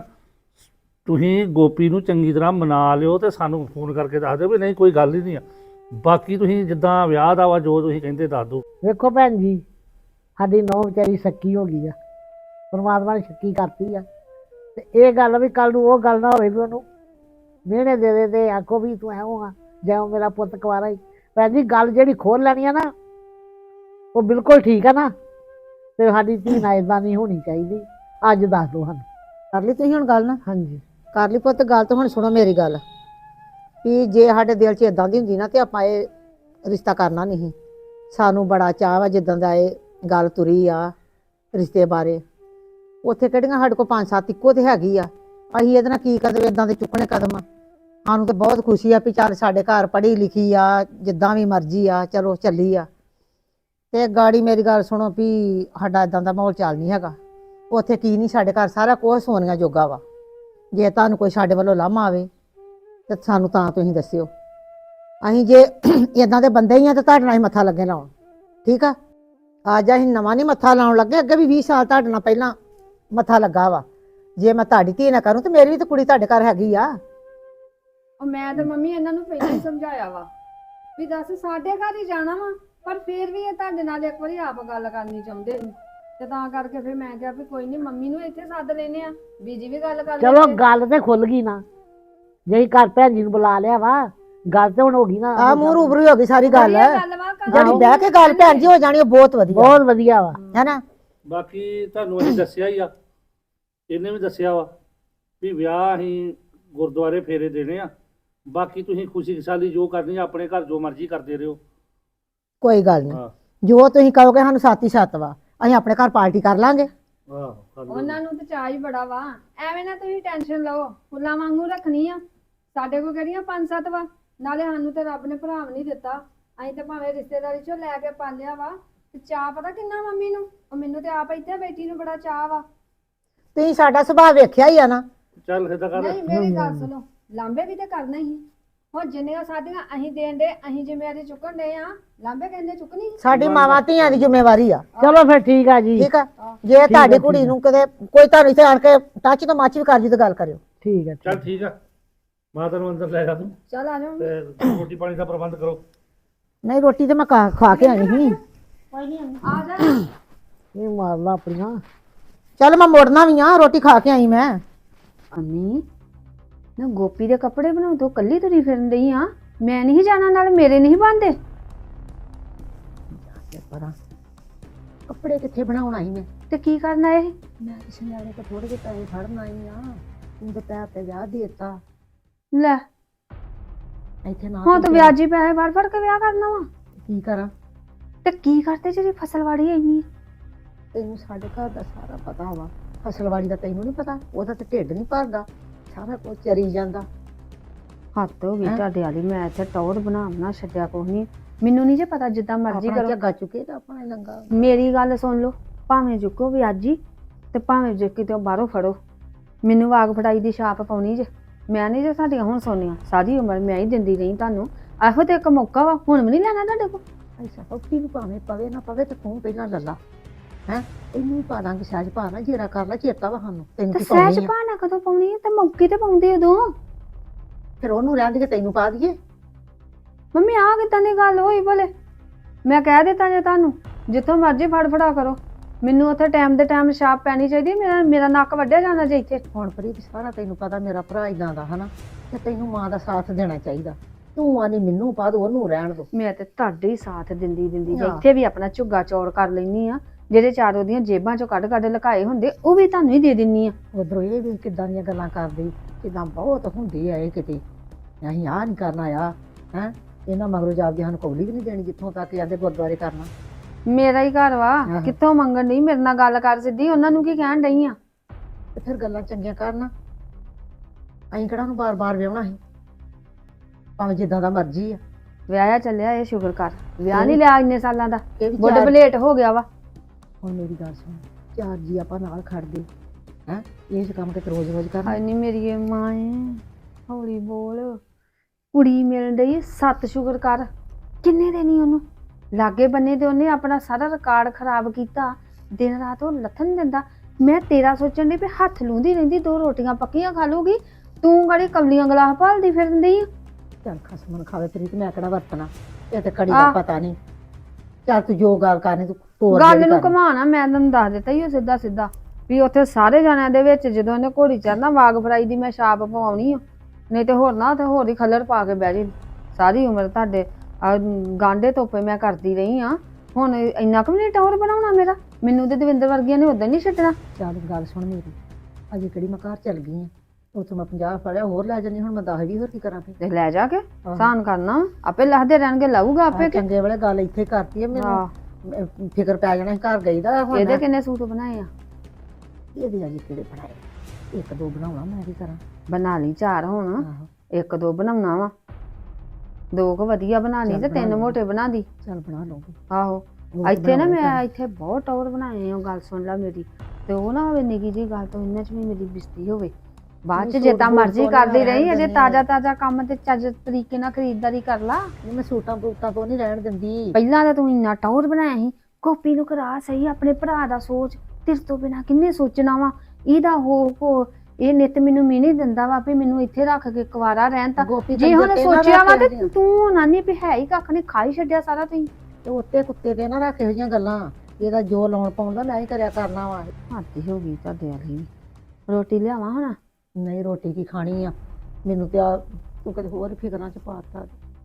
Speaker 1: ਤੁਸੀਂ ਗੋਪੀ ਨੂੰ ਚੰਗੀ ਤਰ੍ਹਾਂ ਮਨਾ ਲਿਓ ਤੇ ਸਾਨੂੰ ਫੋਨ ਕਰਕੇ ਦੱਸ ਦਿਓ ਵੀ ਨਹੀਂ ਕੋਈ ਗੱਲ ਹੀ ਨਹੀਂ ਆ। ਬਾਕੀ ਤੁਸੀਂ ਜਿੱਦਾਂ ਵਿਆਹ ਦਾ ਵਾ ਜੋ ਤੁਸੀਂ ਕਹਿੰਦੇ ਦੱਸ ਦਿਓ।
Speaker 2: ਵੇਖੋ ਭੈਣ ਜੀ, ਸਾਡੀ ਨੌਂ ਵਿਚਾਰੀ ਸੱਕੀ ਹੋ ਗਈ ਆ। ਪਰਮਾਤਮਾ ਨੇ ਸੱਕੀ ਕਰਤੀ ਆ ਤੇ ਇਹ ਗੱਲ ਵੀ ਕੱਲ ਨੂੰ ਉਹ ਗੱਲ ਨਾ ਹੋਵੇ ਵੀ ਉਹਨੂੰ ਮਿਹਣੇ ਦੇ ਦੇ ਤੇ ਆਖੋ ਵੀ ਤੂੰ ਐਵੇਂ ਆ ਜਿਵੇਂ ਮੇਰਾ ਪੁੱਤ ਕੁਆਰਾ ਹੀ। ਭੈਣ ਜੀ ਗੱਲ ਜਿਹੜੀ ਖੋਲ ਲੈਣੀ ਆ ਨਾ ਉਹ ਬਿਲਕੁਲ ਠੀਕ ਆ ਨਾ। ਤੇ ਸਾਡੀ ਧੀ ਨਾਲ ਏਦਾਂ ਨਹੀਂ ਹੋਣੀ ਚਾਹੀਦੀ। ਅੱਜ ਦੱਸ ਦਿਓ ਸਾਨੂੰ।
Speaker 7: ਕਰ ਲਈ ਤੁਸੀਂ ਹੁਣ ਗੱਲ ਨਾ?
Speaker 2: ਹਾਂਜੀ
Speaker 7: ਕਰ ਲਈ ਪੁੱਤ ਗੱਲ। ਤਾਂ ਹੁਣ ਸੁਣੋ ਮੇਰੀ ਗੱਲ ਵੀ ਜੇ ਸਾਡੇ ਦਿਲ 'ਚ ਇਦਾਂ ਦੀ ਹੁੰਦੀ ਨਾ ਤੇ ਆਪਾਂ ਇਹ ਰਿਸ਼ਤਾ ਕਰਨਾ ਨਹੀਂ। ਸਾਨੂੰ ਬੜਾ ਚਾਅ ਵਾ ਜਿੱਦਾਂ ਦਾ ਇਹ ਗੱਲ ਤੁਰੀ ਆ ਰਿਸ਼ਤੇ ਬਾਰੇ। ਉੱਥੇ ਕਿਹੜੀਆਂ ਸਾਡੇ ਕੋਲ ਪੰਜ ਸੱਤ ਇੱਕੋ ਤੇ ਹੈਗੀ ਆ। ਅਸੀਂ ਇਹਦੇ ਨਾਲ ਕੀ ਕਦਮ ਇਦਾਂ ਦੇ ਚੁੱਕਣੇ ਕਦਮ। ਸਾਨੂੰ ਤਾਂ ਬਹੁਤ ਖੁਸ਼ੀ ਆ ਵੀ ਚੱਲ ਸਾਡੇ ਘਰ ਪੜ੍ਹੀ ਲਿਖੀ ਆ, ਜਿੱਦਾਂ ਵੀ ਮਰਜ਼ੀ ਆ ਚਲੋ ਚੱਲੀ ਆ। ਤੇ ਗਾੜੀ ਮੇਰੀ ਗੱਲ ਸੁਣੋ ਵੀ ਸਾਡਾ ਇਦਾਂ ਦਾ ਮਾਹੌਲ ਚੱਲ ਨਹੀਂ ਹੈਗਾ। ਉੱਥੇ ਕੀ ਨਹੀਂ ਸਾਡੇ ਘਰ ਸਾਰਾ ਕੁਝ ਸੋਨੀਆਂ ਜੋਗਾ ਵਾ। ਜੇ ਤੁਹਾਨੂੰ ਕੋਈ ਸਾਡੇ ਵੱਲੋਂ ਲਾਮਾ ਆਵੇ ਤੇ ਸਾਨੂੰ ਤਾਂ ਤੁਸੀਂ ਦੱਸਿਓ। ਅਸੀਂ ਜੇ ਇਦਾਂ ਦੇ ਬੰਦੇ ਹੀ ਆ ਤਾਂ ਤੁਹਾਡੇ ਨਾਲ ਹੀ ਮੱਥਾ ਲੱਗੇ ਲਾਉਣ। ਠੀਕ ਆ? ਅੱਜ ਅਸੀਂ ਨਵਾਂ ਨਹੀਂ ਮੱਥਾ ਲਾਉਣ ਲੱਗੇ, ਅੱਗੇ ਵੀ ਵੀਹ ਸਾਲ ਤੁਹਾਡੇ ਨਾਲ ਪਹਿਲਾਂ ਮੱਥਾ ਲੱਗਾ ਵਾ। ਜੇ ਮੈਂ ਤੁਹਾਡੀ ਧੀ ਨਾ ਕਰੂੰ ਤੇ ਮੇਰੀ ਵੀ ਤਾਂ ਕੁੜੀ ਤੁਹਾਡੇ ਘਰ ਹੈਗੀ ਆ।
Speaker 3: ਉਹ ਮੈਂ ਤੇ ਮੰਮੀ ਇਹਨਾਂ ਨੂੰ ਪਹਿਲਾਂ ਹੀ ਸਮਝਾਇਆ ਵਾ ਵੀ ਦੱਸ ਸਾਡੇ ਘਰ ਹੀ ਜਾਣਾ ਵਾ, ਪਰ ਫੇਰ ਵੀ ਇਹ ਤੁਹਾਡੇ ਨਾਲ ਇੱਕ ਵਾਰੀ ਆਪ ਗੱਲ ਕਰਨੀ ਚਾਹੁੰਦੇ ਨੇ। ਤੇ ਤਾਂ ਕਰਕੇ ਫਿਰ ਮੈਂ ਕਿਹਾ ਵੀ ਕੋਈ ਨਹੀਂ ਮੰਮੀ ਨੂੰ ਇੱਥੇ ਸੱਦ ਲੈਨੇ ਆ, ਬੀਜੀ ਵੀ ਗੱਲ ਕਰ
Speaker 2: ਚਲੋ
Speaker 3: ਲੈਣਗੇ।
Speaker 2: ਗੱਲ ਤੇ ਖੁੱਲ ਗਈ ਨਾ। ਜੇ ਘਰ ਭੈਣ ਜੀ ਨੂੰ ਬੁਲਾ ਲਿਆ ਵਾ ਗੱਲ ਤੇ ਹੁਣ ਹੋ ਗਈ ਨਾ।
Speaker 7: ਆ ਮੂੰਹ ਰੂਬਰੂ ਹੋ ਗਈ ਸਾਰੀ ਗੱਲ।
Speaker 3: ਵਧੀਆ ਗੱਲ ਵਾ, ਘਰ
Speaker 7: ਜਿਹੜੀ ਬਹਿ ਕੇ ਗੱਲ ਭੈਣ ਜੀ ਹੋ ਜਾਣੀ ਉਹ ਬਹੁਤ ਵਧੀਆ
Speaker 2: ਬਹੁਤ ਵਧੀਆ ਵਾ।
Speaker 7: ਹੈ ਨਾ।
Speaker 1: ਬਾਕੀ ਤੁਹਾਨੂੰ ਅਸੀਂ ਦੱਸਿਆ ਹੀ ਆ, ਇਹਨੇ ਵੀ ਦੱਸਿਆ ਵਾ ਵੀ ਵਿਆਹ ਅਸੀਂ ਗੁਰਦੁਆਰੇ ਫੇਰੇ ਦੇਣੇ ਆ। ਬਾਕੀ ਤੁਸੀਂ ਖੁਸ਼ੀ ਖੁਸ਼ਹਾਲੀ ਜੋ ਕਰਨੀ ਆ ਆਪਣੇ ਘਰ ਜੋ ਮਰਜ਼ੀ ਕਰਦੇ ਰਹੋ।
Speaker 7: ਕੋਈ ਗੱਲ ਨਹੀਂ।
Speaker 1: ਹਾਂ
Speaker 7: ਜੋ ਤੁਸੀਂ ਕਹੋਗੇ ਸਾਨੂੰ ਸਾਥੀ ਸੱਤ ਵਾ, ਅਸੀਂ ਆਪਣੇ ਘਰ ਪਾਰਟੀ ਕਰ ਲਾਂਗੇ।
Speaker 1: ਆਹੋ ਕਰ ਲਓ।
Speaker 3: ਉਹਨਾਂ ਨੂੰ ਤੇ ਚਾਹ ਹੀ ਬੜਾ ਵਾ। ਐਵੇਂ ਨਾ ਤੁਸੀਂ ਟੈਨਸ਼ਨ ਲਓ, ਫੁੱਲਾਂ ਵਾਂਗੂ ਰੱਖਣੀ ਆ। ਸਾਡੇ ਕੋਲ ਕਿਹੜੀਆਂ ਪੰਜ ਸੱਤ ਵਾ, ਨਾਲੇ ਸਾਨੂੰ ਤੇ ਰੱਬ ਨੇ ਭਰਾ ਵੀ ਨਹੀਂ ਦਿੱਤਾ। ਅਸੀਂ ਤੇ ਭਾਵੇਂ ਰਿਸ਼ਤੇਦਾਰੀ ਚੋਂ ਲੈ ਕੇ ਪਾਲਿਆ ਵਾ। ਤੇ ਚਾਹ ਪਤਾ ਕਿੰਨਾ ਮੰਮੀ ਨੂੰ, ਉਹ ਮੈਨੂੰ ਤੇ ਆਪ ਇੱਥੇ ਬੈਠੀ ਨੂੰ ਬੜਾ ਚਾਹ ਵਾ।
Speaker 7: ਤੁਸੀਂ ਸਾਡਾ ਸੁਭਾਅ ਵੇਖਿਆ ਹੀ ਆ ਨਾ।
Speaker 1: ਚੱਲ ਸਿੱਧਾ ਕਰ।
Speaker 3: ਨਹੀਂ ਮੇਰੀ ਗੱਲ ਸੁਣੋ, ਲਾਂਬੇ ਵੀ ਤੇ ਕਰਨਾ ਹੀ। ਹੁਣ ਜਿੰਨੀਆਂ ਸਾਡੀਆਂ ਅਸੀਂ ਦੇਣ ਦੇ, ਅਸੀਂ ਜ਼ਿੰਮੇਵਾਰੀ ਚੁੱਕਣ ਦੇ ਆ, ਲਾਂਬੇ ਕਹਿੰਦੇ ਚੁੱਕਣੀ।
Speaker 7: ਸਾਡੀ ਮਾਵਾਂ ਧੀਆਂ ਦੀ ਜ਼ਿੰਮੇਵਾਰੀ ਆ।
Speaker 2: ਚਲੋ ਫਿਰ ਠੀਕ ਆ ਜੀ।
Speaker 7: ਠੀਕ ਆ? ਜੇ ਤੁਹਾਡੀ ਕੁੜੀ ਨੂੰ ਕਿਤੇ ਕੋਈ ਤੁਹਾਨੂੰ ਇੱਥੇ ਆਣ ਕੇ ਟੱਚ ਤੋਂ ਮਾਚੀ ਵੀ ਕਰ ਜੀ ਤਾਂ ਗੱਲ ਕਰਿਓ।
Speaker 2: ਠੀਕ ਆ
Speaker 1: ਚੱਲ ਠੀਕ ਆ, ਮਾਤਾ ਨੂੰ ਅੰਦਰ ਲੈ ਜਾ ਤੂੰ
Speaker 3: ਚੱਲ ਆ ਜਾਓ।
Speaker 1: ਤੇ ਰੋਟੀ ਪਾਣੀ ਦਾ ਪ੍ਰਬੰਧ ਕਰੋ।
Speaker 7: ਨਹੀਂ ਰੋਟੀ ਤੇ ਮੈਂ ਖਾ ਖਾ ਕੇ ਆਈ ਸੀ।
Speaker 3: ਕੋਈ ਨਹੀਂ ਆ ਜਾ।
Speaker 2: ਇਹ ਮਾਰ ਲਾ ਆਪਣੀਆਂ।
Speaker 7: ਚੱਲ ਮੈਂ ਮੁੜਨਾ ਵੀ ਆ, ਰੋਟੀ ਖਾ ਕੇ ਆਈ ਮੈਂ।
Speaker 3: ਅੰਮੀ ਨਾ ਗੋਪੀ ਦੇ ਕੱਪੜੇ ਬਣਾਉ ਤੋਂ ਕੱਲੀ ਤੁਰੀ ਫਿਰਨ ਡਈ ਆ। ਮੈਂ ਨਹੀਂ ਜਾਣਾ, ਨਾਲ ਮੇਰੇ ਨਹੀਂ ਬੰਦੇ।
Speaker 7: ਪਰਾਂ ਕੱਪੜੇ ਕਿੱਥੇ ਬਣਾਉਣਾ ਸੀ ਮੈਂ?
Speaker 3: ਤੇ ਕੀ ਕਰਨਾ ਇਹ?
Speaker 7: ਮੈਂ ਕਿਸੇ ਨਾਲੇ ਤਾਂ ਥੋੜੇ ਜਿਹੇ ਪੈਸੇ ਫੜਨ ਆਈ ਆ। ਤੂੰ ਤਾਂ ਪੈਸੇ ਤੇ ਵਿਆਹ ਦੇਤਾ
Speaker 3: ਲੈ
Speaker 7: ਇੱਥੇ ਨਾ।
Speaker 3: ਹੁਣ ਤਾਂ ਵਿਆਜੀ ਪੈਸੇ ਫੜ ਫੜ ਕੇ ਵਿਆਹ ਕਰਨਾ ਵਾ।
Speaker 7: ਕੀ ਕਰਾਂ?
Speaker 3: ਤੇ ਕੀ ਕਰਦੇ ਜਿਹੜੀ ਫਸਲਵਾੜੀ ਇੰਨੀ?
Speaker 7: ਤੈਨੂੰ ਸਾਡੇ ਘਰ ਦਾ ਸਾਰਾ ਪਤਾ ਵਾ। ਫਸਲਵਾੜੀ ਦਾ ਤੈਨੂੰ ਨਹੀਂ ਪਤਾ? ਉਹਦਾ ਤੇ ਢਿੱਡ ਨਹੀਂ ਭਰਦਾ। ਸਾਰਾ ਕੁਝ ਚਰੀ ਜਾਂਦਾ।
Speaker 3: ਹੱਦ ਹੋ ਗਈ
Speaker 7: ਹੈਂ?
Speaker 3: ਤੁਹਾਡੇ ਵਾਲੀ। ਮੈਂ ਇੱਥੇ ਟੌਰ ਬਣਾ ਬਣਾ ਛੱਡਿਆ ਕੁਛ ਨਹੀਂ। ਮੈਨੂੰ ਨਹੀਂ ਜੇ ਪਤਾ, ਜਿੱਦਾਂ ਮਰਜ਼ੀ
Speaker 7: ਆਪਣਾ
Speaker 3: ਕਰੋ।
Speaker 7: ਝੱਗਾ ਚੁੱਕੇ ਤਾਂ ਆਪਣਾ ਹੀ ਲੰਗਾ।
Speaker 3: ਮੇਰੀ ਗੱਲ ਸੁਣ ਲਓ, ਭਾਵੇਂ ਚੁੱਕੋ ਵੀ ਅੱਜ ਹੀ ਤੇ ਭਾਵੇਂ ਜੇ ਕਿਤੇ ਬਾਹਰੋਂ ਫੜੋ, ਮੈਨੂੰ ਵਾਗ ਫੜਾਈ ਦੀ ਛਾਪ ਪਾਉਣੀ ਜੇ। ਮੈਂ ਨਹੀਂ ਜੇ ਸਾਡੀਆਂ ਹੁਣ ਸੋਨੀਆਂ, ਸਾਰੀ ਉਮਰ ਮੈਂ ਹੀ ਦਿੰਦੀ ਰਹੀ ਤੁਹਾਨੂੰ। ਇਹੋ ਤੇ ਇੱਕ ਮੌਕਾ ਵਾ, ਹੁਣ ਵੀ ਨਹੀਂ ਲੈਣਾ ਤੁਹਾਡੇ ਕੋਲ।
Speaker 7: ਐਸਾ ਔਖੀ ਨੂੰ ਭਾਵੇਂ ਪਵੇ ਨਾ ਪਵੇ ਤੇ ਤੂੰ ਪਹਿਲਾਂ ਲੱਲਾ ਹੈ। ਇਹਨੂੰ ਵੀ ਪਾ ਦਾਂਗੇ ਸਹਿਜ ਪਾ ਨਾ ਜੇਰਾ ਕਰ ਲੈ, ਚੇਤਾ ਵਾ ਸਾਨੂੰ ਤੈਨੂੰ
Speaker 3: ਤੇ
Speaker 7: ਕੀ
Speaker 3: ਸਹਿਜ
Speaker 7: ਪਾਉਣੀ ਆ।
Speaker 3: ਭਾਣਾ ਕਦੋਂ ਪਾਉਣੀ ਹੈ? ਤੇ ਮੌਕੇ ਤੇ ਪਾਉਂਦੇ ਉਦੋਂ।
Speaker 7: ਫਿਰ ਉਹਨੂੰ ਰਹਿਣ ਦੇ ਤੈਨੂੰ ਪਾ ਦਈਏ।
Speaker 3: ਮੰਮੀ ਆ ਕਿੱਦਾਂ ਦੀ ਗੱਲ ਹੋਈ ਭਲੇ? ਮੈਂ ਕਹਿ ਦਿੱਤਾ ਜੇ ਤੁਹਾਨੂੰ, ਜਿੱਥੋਂ ਮਰਜ਼ੀ ਫੜ ਫੜਾ ਕਰੋ, ਮੈਨੂੰ ਉੱਥੇ ਟਾਈਮ ਦੇ ਟਾਈਮ ਛਾਪ ਪੈਣੀ ਚਾਹੀਦੀ। ਮੇਰਾ ਮੇਰਾ ਨੱਕ ਵੱਢਿਆ ਜਾਣਾ ਜੇ ਇੱਥੇ।
Speaker 7: ਹੁਣ ਪ੍ਰੀਤ ਸਾਰਾ ਤੈਨੂੰ ਪਤਾ ਮੇਰਾ ਭਰਾ ਇਦਾਂ ਦਾ ਹਨਾ, ਤੇ ਤੈਨੂੰ ਮਾਂ ਦਾ ਸਾਥ ਦੇਣਾ ਚਾਹੀਦਾ। ਤੂੰ ਆਨੀ ਮੈਨੂੰ ਪਾ ਦੋ, ਉਹਨੂੰ ਰਹਿਣ ਦੋ।
Speaker 3: ਮੈਂ ਤੇ ਤੁਹਾਡੇ ਹੀ ਸਾਥ ਦਿੰਦੀ ਦਿੰਦੀ ਜੇ
Speaker 7: ਹਾਂ।
Speaker 3: ਇੱਥੇ ਵੀ ਆਪਣਾ ਝੁੱਗਾ ਚੌੜ ਕਰ ਲੈਣੀ ਆ। ਜਿਹੜੇ ਚਾਰ ਉਹਦੀਆਂ ਜੇਬਾਂ ਚੋਂ ਕੱਢ ਕੱਢ ਲੁਕਾਏ ਹੁੰਦੇ, ਉਹ ਵੀ ਤੁਹਾਨੂੰ ਹੀ ਦੇ ਦਿੰਨੀ ਆ।
Speaker 7: ਉਧਰੋਂ ਇਹ ਵੀ ਕਿੱਦਾਂ ਦੀਆਂ ਗੱਲਾਂ ਕਰਦੀ, ਕਿਦਾਂ ਬਹੁਤ ਹੁੰਦੀ ਆ ਇਹ ਕਿਤੇ। ਅਸੀਂ ਆਹ ਨਹੀਂ ਕਰਨਾ ਆ ਹੈ। ਇਹਨਾਂ ਮਗਰੋਂ ਜਾਪਦੀ ਸਾਨੂੰ ਕੌਲੀ ਵੀ ਨਹੀਂ ਦੇਣੀ, ਜਿੱਥੋਂ ਤੱਕ ਜਾਂਦੇ ਗੁਰਦੁਆਰੇ ਕਰਨਾ।
Speaker 3: ਮੇਰਾ ਹੀ ਘਰ ਵਾ,
Speaker 7: ਆਹੋ।
Speaker 3: ਕਿੱਥੋਂ ਮੰਗਣ ਡਈ? ਮੇਰੇ ਨਾਲ ਗੱਲ ਕਰ ਸਿੱਧੀ, ਉਹਨਾਂ ਨੂੰ ਕੀ ਕਹਿਣ ਡਈ ਆ?
Speaker 7: ਤੇ ਫਿਰ ਗੱਲਾਂ ਚੰਗੀਆਂ ਕਰਨਾ। ਅਸੀਂ ਕਿਹੜਾ ਨੂੰ ਬਾਰ-ਬਾਰ ਵਿਆਹਣਾ ਸੀ, ਭਾਵੇਂ ਜਿੱਦਾਂ ਦਾ ਮਰਜ਼ੀ ਆ।
Speaker 3: ਵਿਆਹਿਆ ਚੱਲਿਆ, ਇਹ ਸ਼ੁਕਰ ਕਰ। ਵਿਆਹ ਨਹੀਂ ਲਿਆ ਇੰਨੇ ਸਾਲਾਂ ਦਾ,
Speaker 7: ਇਹ ਵੀ
Speaker 3: ਬੁੱਢ
Speaker 7: ਚਾਰ-
Speaker 3: ਬਲੇਟ ਹੋ ਗਿਆ ਵਾ।
Speaker 7: ਹੁਣ ਮੇਰੀ ਗੱਲ ਸੁਣ, ਚਾਰ ਜੀ ਆਪਾਂ ਨਾਲ ਖੜਦੇ ਹੈ, ਇਹ ਕੰਮ ਤੇ ਰੋਜ਼-ਰੋਜ਼ ਕਰਨਾ।
Speaker 3: ਹਾਏ ਨੀ ਮੇਰੀ ਇਹ ਮਾਂ ਏ, ਹੌਲੀ ਬੋਲ। ਕੁੜੀ ਮਿਲ ਡਈ, ਸੱਤ ਸ਼ੁਕਰ ਕਰ। ਕਿੰਨੇ ਦੇਣੀ ਉਹਨੂੰ? ਲਾਗੇ ਬੰਨੇ ਤੇ ਉਹਨੇ ਆਪਣਾ ਸਾਰਾ ਰਿਕਾਰਡ ਖਰਾਬ ਕੀਤਾ। ਦਿਨ ਰਾਤ ਉਹ ਲੱਥਣ ਨੀ ਦਿੰਦਾ। ਮੈਂ ਤੇਰਾ ਸੋਚਣ ਦੀ ਵੀ ਹੱਥ ਲੂੰਦੀ ਰਹਿੰਦੀ, ਦੋ ਰੋਟੀਆਂ ਪੱਕੀਆਂ ਖਾ ਲੂਗੀ, ਤੂੰ ਗਾੜੀ ਕਮਲੀਆਂ ਗਲਾਸ ਭਾਲਦੀ ਫਿਰਦੀ ਆ।
Speaker 7: ਚੱਲ ਖਸਮਨ ਖਾਵੇ ਪ੍ਰੀਤ, ਮੈਂ ਕਿਹੜਾ ਵਰਤਣਾ, ਇਹ ਤੇ ਕੜੀ ਦਾ
Speaker 3: ਆਹ।
Speaker 7: ਪਤਾ ਨਹੀਂ। ਚੱਲ ਤੂੰ ਜੋ ਗੱਲ ਕਰਨੀ ਤੂੰ ਤੋਰ
Speaker 3: ਗੱਲ
Speaker 7: ਜਿਹੜੀ
Speaker 3: ਨੂੰ
Speaker 7: ਕਰਨੀ।
Speaker 3: ਘਮਾਣਾ, ਮੈਂ ਤੈਨੂੰ ਦੱਸ ਦਿੱਤਾ ਹੀ ਉਹ ਸਿੱਧਾ ਸਿੱਧਾ ਵੀ ਉੱਥੇ ਸਾਰੇ ਜਣਿਆਂ ਦੇ ਵਿੱਚ ਜਦੋਂ ਇਹਨੇ ਘੋੜੀ ਚੜਨਾ, ਵਾਗ ਫਰਾਈ ਦੀ ਮੈਂ ਛਾਪ ਪਵਾਉਣੀ ਆ। ਨਹੀਂ ਤੇ ਹੋਰ ਨਾ ਤੇ ਹੋਰ ਹੀ ਖੱਲਰ ਪਾ ਕੇ ਬਹਿ ਜੀ। ਸਾਰੀ ਉਮਰ ਤੁਹਾਡੇ ਆਹ ਗਾਂਡੇ ਧੋਪੇ ਮੈਂ ਕਰਦੀ ਰਹੀ ਆ। ਹੁਣ ਇੰਨਾ ਕੁ ਵੀ ਨਹੀਂ ਟੌਰ ਬਣਾਉਣਾ ਮੇਰਾ। ਮੈਨੂੰ ਤੇ ਦਵਿੰਦਰ ਵਰਗੀਆਂ ਨੇ ਉਦੋਂ ਨਹੀਂ ਛੱਡਣਾ।
Speaker 7: ਚੱਲ ਗੱਲ ਸੁਣ ਮੇਰੀ, ਅਜੇ ਕਿਹੜੀ ਮੈਂ ਘਰ ਚੱਲ ਗਈ ਆ, ਉੱਥੋਂ ਮੈਂ ਪੰਜਾਹ ਫੜਿਆ ਹੋਰ ਲੈ ਜਾਂਦੀ। ਹੁਣ ਮੈਂ ਦਸ ਵੀ ਹੋਰ ਕੀ ਕਰਾਂ ਫਿਰ।
Speaker 3: ਤੇ ਲੈ ਜਾ ਕੇ ਸਾਨ ਕਰਨਾ, ਆਪੇ ਲੱਹਦੇ ਰਹਿਣਗੇ, ਲਾਊਗਾ ਆਪੇ
Speaker 7: ਆਹ
Speaker 3: ਕਿ
Speaker 7: ਚੰਗੇ ਵੇਲੇ ਗੱਲ ਇੱਥੇ ਕਰਤੀ ਆ,
Speaker 3: ਹਾਂ।
Speaker 7: ਮੈਨੂੰ ਅਹ ਫਿਕਰ ਪੈ ਜਾਣਾ ਸੀ ਘਰ ਗਈ ਦਾ। ਹੁਣ
Speaker 3: ਇਹਦੇ ਕਿੰਨੇ ਸੂਟ ਬਣਾਏ ਆ?
Speaker 7: ਇਹਦੇ ਅਜੇ ਕਿਹੜੇ ਬਣਾਏ, ਇੱਕ ਦੋ ਬਣਾਉਣਾ, ਮੈਂ ਕੀ ਕਰਾਂ।
Speaker 3: ਬਣਾ ਲਈ ਚਾਰ ਹੁਣ,
Speaker 7: ਆਹੋ
Speaker 3: ਇੱਕ ਦੋ ਬਣਾਉਣਾ ਵਾ। ਦੋ ਕੁ ਵਧੀਆ ਬਣਾਣੀ
Speaker 7: ਚੱਲ
Speaker 3: ਤੇ
Speaker 7: ਬਣਾ
Speaker 3: ਤਿੰਨ
Speaker 7: ਲਊਂਗੀ।
Speaker 3: ਮੋਟੇ ਬਣਾ ਦੀ।
Speaker 7: ਚੱਲ ਬਣਾ ਲਊਂਗੀ।
Speaker 3: ਆਹੋ
Speaker 7: ਉਹ
Speaker 3: ਇੱਥੇ ਨਾ
Speaker 7: ਬਣਾਉਣੇ
Speaker 3: ਮੈਂ
Speaker 7: ਤਾਂ-
Speaker 3: ਇੱਥੇ ਬਹੁਤ ਟੌਰ ਬਣਾਏ ਆ। ਗੱਲ ਸੁਣ ਲੈ ਮੇਰੀ, ਤੇ ਉਹ ਨਾ ਹੋਵੇ ਨਿੱਕੀ ਜੀ ਗੱਲ ਤੋਂ ਇਹਨਾਂ ਚ ਵੀ ਮੇਰੀ ਬਿਸਤੀ ਹੋਵੇ। ਬਾਅਦ ਚ
Speaker 7: ਨਹੀਂ,
Speaker 3: ਜਿੱਦਾਂ
Speaker 7: ਸੂਟ
Speaker 3: ਮਰਜ਼ੀ
Speaker 7: ਬੂਟ
Speaker 3: ਕਰਦੀ
Speaker 7: ਤੋਂ
Speaker 3: ਰਹੀ,
Speaker 7: ਰਹਿਣ
Speaker 3: ਅਜੇ
Speaker 7: ਦਿੰਦੀ
Speaker 3: ਤਾਜ਼ਾ
Speaker 7: ਆ।
Speaker 3: ਤਾਜ਼ਾ ਕੰਮ ਤੇ ਚੱਜ ਤਰੀਕੇ ਨਾਲ ਖਰੀਦਦਾਰੀ ਕਰ ਲਾ।
Speaker 7: ਨਹੀਂ, ਮੈਂ ਸੂਟਾਂ ਬੂਟਾਂ ਤੋਂ ਨਹੀਂ ਰਹਿਣ ਦਿੰਦੀ।
Speaker 3: ਪਹਿਲਾਂ ਤਾਂ ਤੂੰ ਇੰਨਾ ਟੌਰ ਬਣਾਇਆ ਸੀ। ਗੋਪੀ ਨੂੰ ਕਰਾ ਸਹੀ, ਆਪਣੇ ਭਰਾ ਦਾ ਸੋਚ। ਤੇਰੇ ਤੋਂ ਬਿਨਾ ਕਿੰਨੇ ਸੋਚਣਾ ਵਾ ਇਹਦਾ। ਹੋ ਕੋ ਇਹ ਨਿੱਤ ਮੈਨੂੰ ਮੀਨੀ ਦਿੰਦਾ ਵਾ ਵੀ ਮੈਨੂੰ ਇੱਥੇ ਰੱਖ ਕੇ ਕੁਵਾਰਾ ਰਹਿਣ। ਤਾਂ
Speaker 7: ਗੋਪੀ
Speaker 3: ਜੇ ਹੁਣ
Speaker 7: ਕੰਜਰ ਤੇ ਨਾ
Speaker 3: ਸੋਚਿਆ ਵਾ
Speaker 7: ਰੱਖ
Speaker 3: ਤੇ
Speaker 7: ਇਹੋ
Speaker 3: ਤੂੰ ਨਾਨੀ ਵੀ ਹੈ ਹੀ ਕੱਖ ਨਹੀਂ, ਖਾਈ ਛੱਡਿਆ ਸਾਰਾ ਤੁਸੀਂ।
Speaker 7: ਤੇ ਉੱਤੇ ਕੁੱਤੇ ਤੇ ਨਾ ਰੱਖ ਇਹੋ ਜਿਹੀਆਂ ਗੱਲਾਂ। ਇਹਦਾ ਜੋ ਲਾਉਣ ਪਾਉਣ ਦਾ ਮੈਂ ਹੀ ਕਰਿਆ ਕਰਨਾ ਵਾ।
Speaker 3: ਹੱਦ ਹੋ ਗਈ ਤੁਹਾਡੇ ਵਾਲੀ ਵੀ। ਰੋਟੀ ਲਿਆਵਾਂ ਹੁਣ?
Speaker 7: ਨਹੀਂ ਰੋਟੀ ਕੀ ਖਾਣੀ ਆ, ਮੈਨੂੰ ਤੇ ਆ ਤੂੰ ਕਦੇ ਹੋਰ ਫਿਕਰਾਂ ਚ ਪਾਤਾ।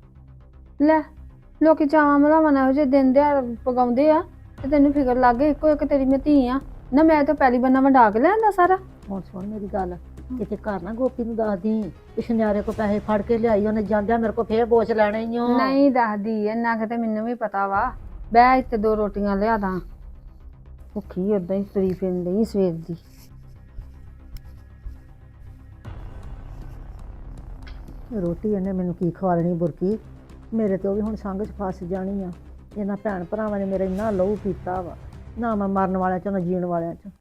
Speaker 3: ਲੈ ਲੋਕੀ ਚਾਵਾਂ ਮਲਾਵਾਂ ਇਹੋ ਜਿਹੇ ਦਿਨ ਦਿਹਾੜ ਪਗਾਉਂਦੇ ਆ ਤੇ ਤੈਨੂੰ ਫਿਕਰ ਲੱਗ ਗਈ। ਇੱਕੋ ਇੱਕ ਤੇਰੀ ਮੈਂ ਧੀ ਆ ਨਾ, ਮੈਂ ਤਾਂ ਪਹਿਲੀ ਬੰਨਾ ਵੰਡਾ ਕੇ ਲਿਆਂਦਾ ਸਾਰਾ।
Speaker 7: ਹੁਣ ਸੁਣ ਮੇਰੀ ਗੱਲ, ਕਿਤੇ ਘਰ ਨਾ ਗੋਪੀ ਨੂੰ ਦੱਸਦੀ ਕਿ ਸ਼ਨਿਆਰੇ ਕੋ ਪੈਸੇ ਫੜ ਕੇ ਲਿਆਈ, ਉਹਨੇ ਜਾਂਦਿਆਂ ਮੇਰੇ ਕੋ ਫੇਰ ਬੋਝ ਲੈਣੇ ਹੀ ਓ।
Speaker 3: ਨਹੀਂ ਦੱਸਦੀ, ਇੰਨਾ ਕਿਤੇ ਮੈਨੂੰ ਵੀ ਪਤਾ ਵਾ। ਬਹਿ ਇੱਥੇ ਦੋ ਰੋਟੀਆਂ ਲਿਆ ਦਾਂ, ਭੁੱਖੀ ਓਦਾਂ ਹੀ ਤੁਰੀ ਫਿਰਦੀ ਸਵੇਰ ਦੀ।
Speaker 7: ਰੋਟੀ ਇਹਨੇ ਮੈਨੂੰ ਕੀ ਖਵਾਲਣੀ ਬੁਰਕੀ, ਮੇਰੇ ਤੇ ਉਹ ਵੀ ਹੁਣ ਸੰਗ ਚ ਫਸ ਜਾਣੀ ਆ। ਇਹਨਾਂ ਭੈਣ ਭਰਾਵਾਂ ਨੇ ਮੇਰਾ ਇੰਨਾ ਲਹੂ ਪੀਤਾ ਵਾ, ਨਾ ਮੈਂ ਮਰਨ ਵਾਲਿਆਂ ਚੋਂ ਨਾ ਜੀਣ ਵਾਲਿਆਂ ਚੋਂ।